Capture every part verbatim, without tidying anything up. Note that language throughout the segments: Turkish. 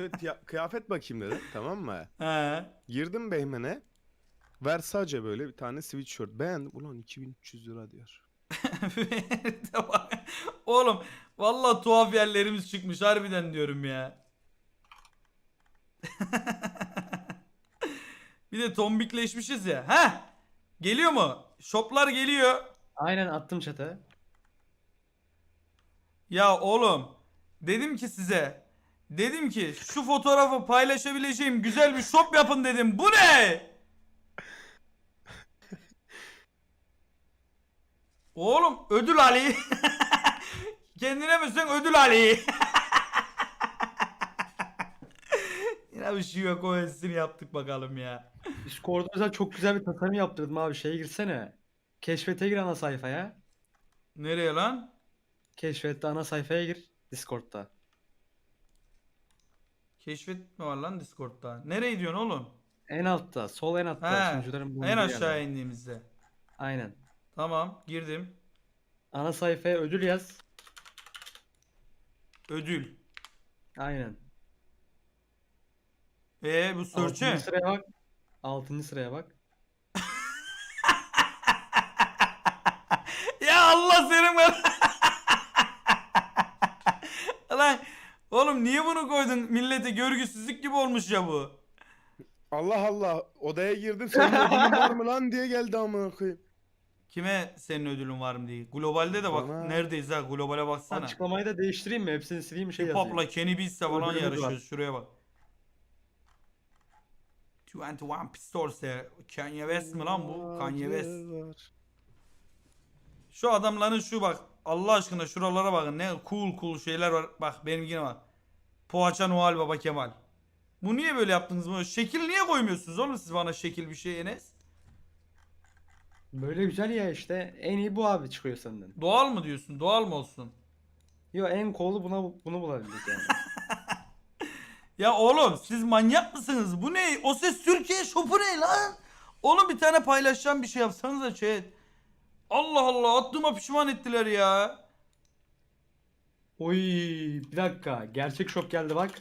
Şunu tiya- kıyafet bakayım dedim, tamam mı? He. Girdim Beymen'e. Versace böyle bir tane sweatshirt. Beğendim. Ulan iki bin üç yüz lira diyor. Oğlum vallahi tuhaf yerlerimiz çıkmış harbiden diyorum ya. Bir de tombikleşmişiz ya. Heh. Geliyor mu? Shoplar geliyor. Aynen attım chat'e. Ya oğlum dedim ki size, dedim ki şu fotoğrafı paylaşabileceğim güzel bir shop yapın dedim. Bu ne? Oğlum ödül Ali. Kendine misin ödül Ali? Yine bir şey yok, o hissini yaptık bakalım ya. Discord'da mesela çok güzel bir tasarım yaptırdım abi. Şeye girsene. Keşfete gir ana sayfaya. Nereye lan? Keşfette ana sayfaya gir. Discord'da. Keşfet mi var lan Discord'da? Nereye diyorsun oğlum? En altta. Sol en altta. He. Sunucuların En bulunduğu aşağı yerde. indiğimizde. Aynen. Tamam girdim. Ana sayfaya ödül yaz. Ödül. Aynen. E bu Altıncı search'e. sıraya bak. Altıncı sıraya bak. Ya Allah senin ben. Lan oğlum niye bunu koydun? Millete görgüsüzlük gibi olmuş ya bu. Allah Allah. Odaya girdim. Senin ödülün var mı lan diye geldi amına koyayım. Kime senin ödülün var mı diye. Globalde de bak Bana. neredeyiz ha, globale baksana. Açıklamayı da değiştireyim mi? Hepsini sileyim bir şey Hip yazayım. Hop'la Kenny Beats'le falan Ödülümüz var. yarışıyoruz, şuraya bak. yirmi bir Pistols ya. Kanye West mi lan bu? Kanye West. Var. Şu adamların şu bak Allah aşkına şuralara bakın, ne cool cool şeyler var. Bak benimkine bak. Poğaça Noel Baba Kemal. Bu niye böyle yaptınız bunu? Şekil niye koymuyorsunuz oğlum siz bana, şekil bir şey Enes? Böyle güzel ya işte. En iyi bu abi çıkıyor senden. Doğal mı diyorsun? Doğal mı olsun? Yo en cool'u buna bunu bulabildik yani. Ya oğlum siz manyak mısınız? Bu ne? O Ses Türkiye Shop'u ne lan? Oğlum bir tane paylaşacağım bir şey yapsanıza chat. Allah Allah, attığıma pişman ettiler ya. Oy bir dakika. Gerçek shop geldi bak.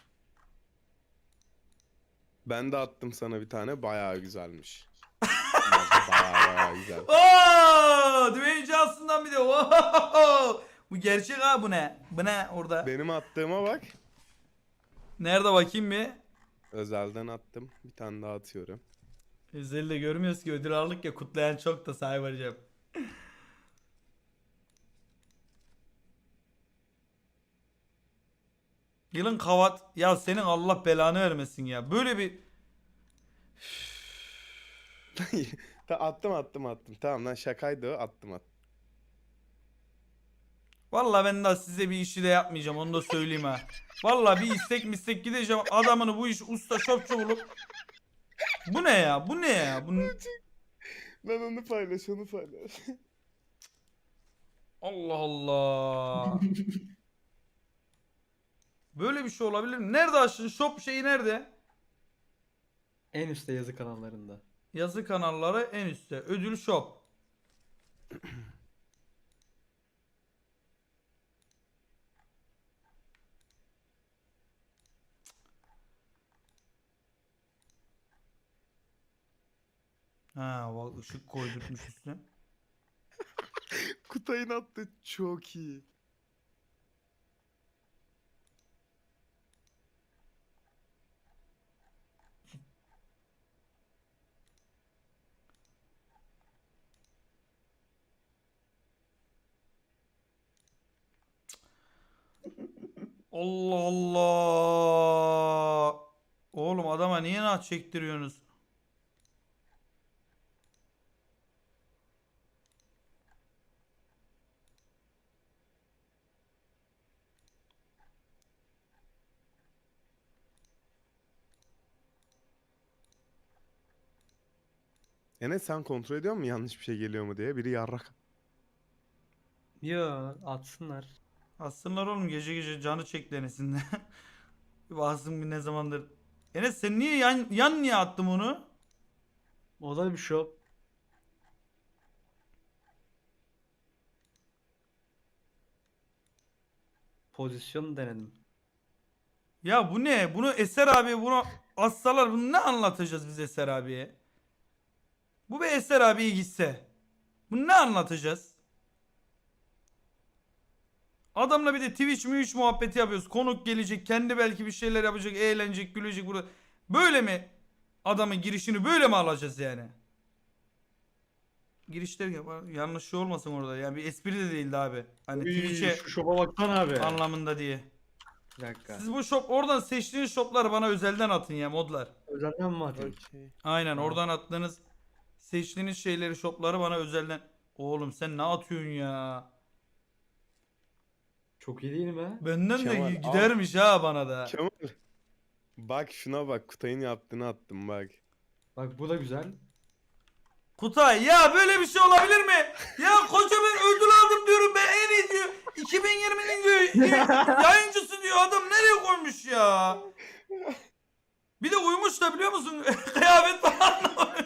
Ben de attım sana bir tane. Bayağı güzelmiş. Bayağı bayağı güzel. Oo! Dwayne Johnson'dan bir de. Oo! Bu gerçek ha, bu ne? Bu ne orada? Benim attığıma bak. Nerede bakayım bir? Özelden attım. Bir tane daha atıyorum. Özel'de görmüyoruz ki, ödül aldık ya, kutlayan çok da sayvaracağım. Yılın kavat ya, senin Allah belanı vermesin ya. Böyle bir Ta attım attım attım. Tamam lan, şakaydı o. Attım attım. vallahi ben daha size bir işi de yapmayacağım, onu da söyleyeyim ha. Vallahi bir istek mistek gideceğim adamını, bu iş usta şopçu bulup. Bu ne ya? Bu ne ya? Bu Ben onu paylaş onu paylaş. Allah Allah. Böyle bir şey olabilir mi? Nerede açtın? Shop şeyi nerede? En üstte yazı kanallarında. Yazı kanalları en üstte. Ödül shop. Ha bak, ışık koydurtmuş üstüne. Kutay'ın attı çok iyi. Allah Allah. Oğlum adama niye naç çektiriyorsunuz? Enes, sen kontrol ediyor musun yanlış bir şey geliyor mu diye? Biri yarrak. Yo atsınlar. Aslında oğlum gece gece canı çekti Enes'in de. Bir baksın bir ne zamandır. Enes sen niye yan, yan niye attım onu? O da bir shop. Pozisyon denedim. Ya bu ne? Bunu Eser abi bunu assalar bunu ne anlatacağız biz Eser abiye? Bu bir Eser abiye gitse. Bunu ne anlatacağız? Adamla bir de Twitch mi üç muhabbeti yapıyoruz. Konuk gelecek, kendi belki bir şeyler yapacak, eğlenecek, gülecek burada. Böyle mi adamın girişini böyle mi alacağız yani? Girişler ya- yanlış şey olmasın orada. Yani bir espri de değildi abi. Hani Uy, Twitch'e şu şoba baksana abi. anlamında diye. Bir dakika. Siz bu shop oradan seçtiğiniz shopları bana özelden atın ya modlar. Özelden mi atayım? Okey. Aynen Tamam. oradan attığınız seçtiğiniz şeyleri shopları bana özelden. Oğlum sen ne atıyorsun ya? Çok iyi değil mi? Benden de Kemal, al. gidermiş ha bana da. Kemal. Bak şuna bak. Kutay'ın yaptığını attım bak. Bak bu da güzel. Kutay ya böyle bir şey olabilir mi? Ya koca ben ödül aldım diyorum ben en iyi diyor. iki bin yirminin diyor yayıncısı diyor adam nereye koymuş ya? Bir de uyumuş da biliyor musun? Kıyafet falan.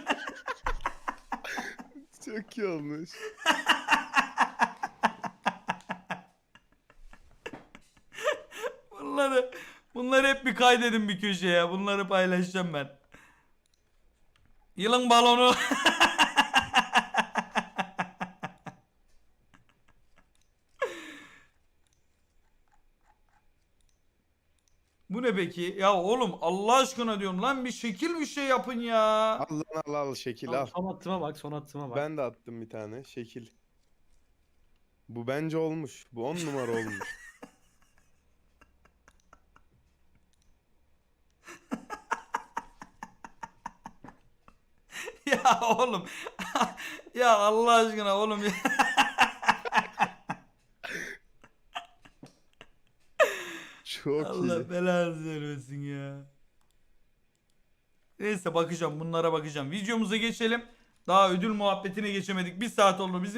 Çok iyi olmuş. Bunları bunları hep bir kaydedin bir köşeye. Bunları paylaşacağım ben. Yılın balonu. Bu ne peki? Ya oğlum Allah aşkına diyorum lan bir şekil bir şey yapın ya. Al lan al al şekil Tamam, al. son attığıma bak, son attığıma bak. Ben de attım bir tane şekil. Bu bence olmuş. Bu on numara olmuş. Ya oğlum. Ya Allah aşkına oğlum ya. Çok Allah iyi. belanı vermesin ya. Neyse bakacağım bunlara bakacağım. Videomuza geçelim. Daha ödül muhabbetine geçemedik. Bir saat oldu bizim.